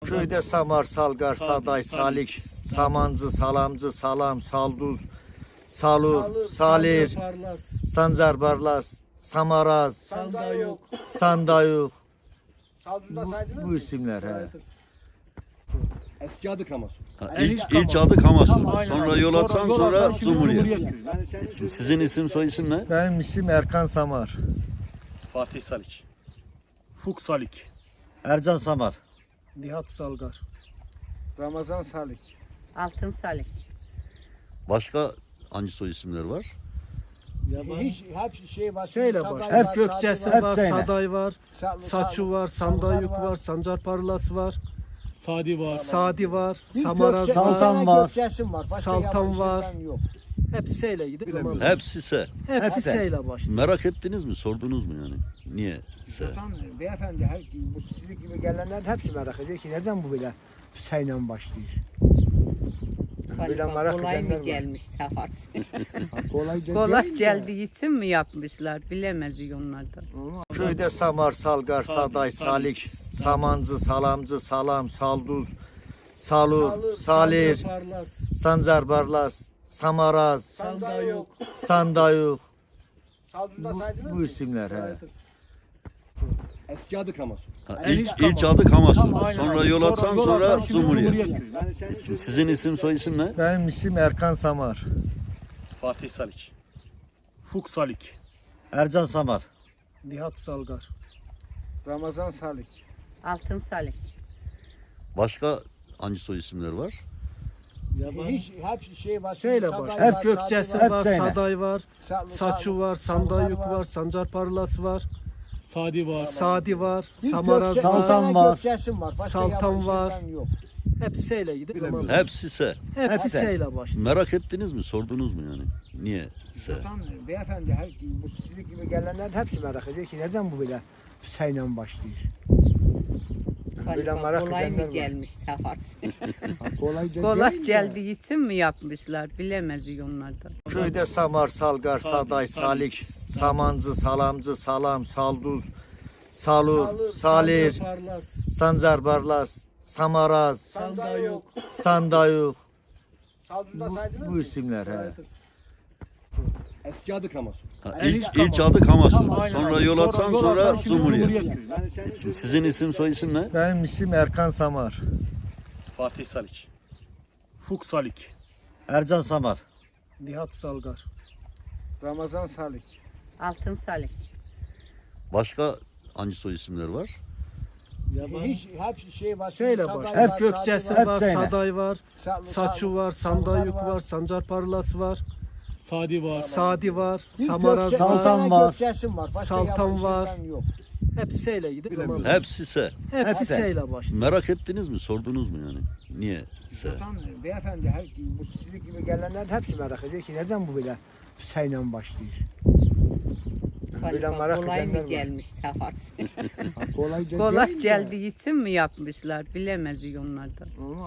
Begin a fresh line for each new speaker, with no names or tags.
Köyde Samar, Salgar, Saday, Salik, Samancı, Salamcı, Salam, Salduz, Salur, Salir, Sancar Barlas, Samaraz, Sandayuk. Bu isimler he.
Eski adı Kamasu.
İlk adı Kamasu.
Aynen.
Sonra yol atsan sonra Cumhuriyet.
Köyü.
Sizin soy isim ne?
Benim isim Erkan Samar.
Fatih Salik.
Fuk Salik.
Ercan Samar.
Nihat Salgar.
Ramazan Salik.
Altın Salik.
Başka hangi soy isimler var?
Hiç hep şey var.
Seyle
Saday
baş.
var,
Hep Gökçesi
Saday
var,
Hep
Saday var, Saçu var, Sandayuk
var.
var, Sancar Parlas var,
Sadi var.
Sadi var,
Bir
Samaraz
Gökçe-
var.
Saltan
bir tane
var.
Gökçesim var. Başka
Saltan
yabancı
var.
şeyden yok.
Hep seyle gidip zaman.
Hepsi se.
Hepsi seyle başlıyor.
Merak ettiniz mi? Sordunuz mu yani? Niye se?
Zaten beyefendi her bu sizin gibi gelenler hepsi merak ediyor ki neden bu böyle sayla başlıyor? Böyle
Galiba
merak
kolay
edenler
mı
var.
gelmiş Safar?
Kolay,
Kolay geldiği için mi yapmışlar? Bilemez onlardan.
Köyde Samar, Salgar, Saday, Salik, Samancı, Salamcı, Salam, Salduz, Salur, Salir, Sancar Barlas, Samaraz, Sandayuk. Bu isimler he.
Eski adı Kamasu.
İlk adı Kamasu.
Aynen.
Sonra yol atsan sonra Cumhuriyet.
Köyü.
Sizin soy isim ne?
Benim isim Erkan Samar.
Fatih Salik.
Fuk Salik.
Ercan Samar.
Nihat Salgar.
Ramazan Salik.
Altın Salik.
Başka hangi soy isimler var?
Hiç hep şey var.
Seyle
Saday
baş.
var,
Hep Gökçesi
Saday
var,
seyle.
Saday var, Saçu var, Sandayuk
var.
var, Sancar Parlas var,
Sadi var.
Sadi var,
Bir
Samaraz
Gökçe-
var.
Saltan
bir tane
var.
Gökçesim var. Başka
Saltan
yabancı
var.
şeyden yok.
Hep seyle gidip zaman.
Hepsi se.
Hepsi seyle başlıyor.
Merak ettiniz mi? Sordunuz mu yani? Niye se?
Zaten beyefendi her bu sizin gibi gelenler hepsi merak ediyor ki neden bu böyle sayla başlıyor? Böyle
Galiba
merak
kolay
edenler
mı
var.
gelmiş Safar?
Kolay
Kolay geldiği için mi yapmışlar? Bilemez onlardan.
Köyde Samar, Salgar, Saday, Salik, Samancı, Salamcı, Salam, Salduz, Salur, Salir, Sancar Barlas, Samaraz, Sandayuk. Bu isimler he.
Eski adı Kamasu.
İlk adı Kamasu.
Aynen.
Sonra yol atsan sonra Cumhuriyet.
Köyü.
Sizin soy isim ne?
Benim isim Erkan Samar.
Fatih Salik.
Fuk Salik.
Ercan Samar.
Nihat Salgar.
Ramazan Salik.
Altın Salik.
Başka hangi soy isimler var?
Hiç hep şey var.
Seyle
Saday
baş.
var,
Hep
Saday
Gökçesi
var.
var,
seyle.
Saday var, Saçu var, Sandayuk
var.
var, Sancar Parlas var,
Sadi var.
Sadi var,
Bir
Samaraz
Gökçe-
var.
bir tane
var.
Gökçesim var. Başka
Saltan
yabancı
var.
şeyden yok.
Hep seyle gidip zaman.
Hepsi se.
Hepsi seyle başlıyor.
Merak ettiniz mi? Sordunuz mu yani? Niye se?
Zaten beyefendi her bu sizin gibi gelenler hepsi merak ediyor ki neden bu böyle sayla başlıyor? Böyle
Galiba
merak
kolay
edenler
mı
var.
gelmiş Safar?
Kolay,
Kolay geldiği için mi yapmışlar? Bilemez onlardan.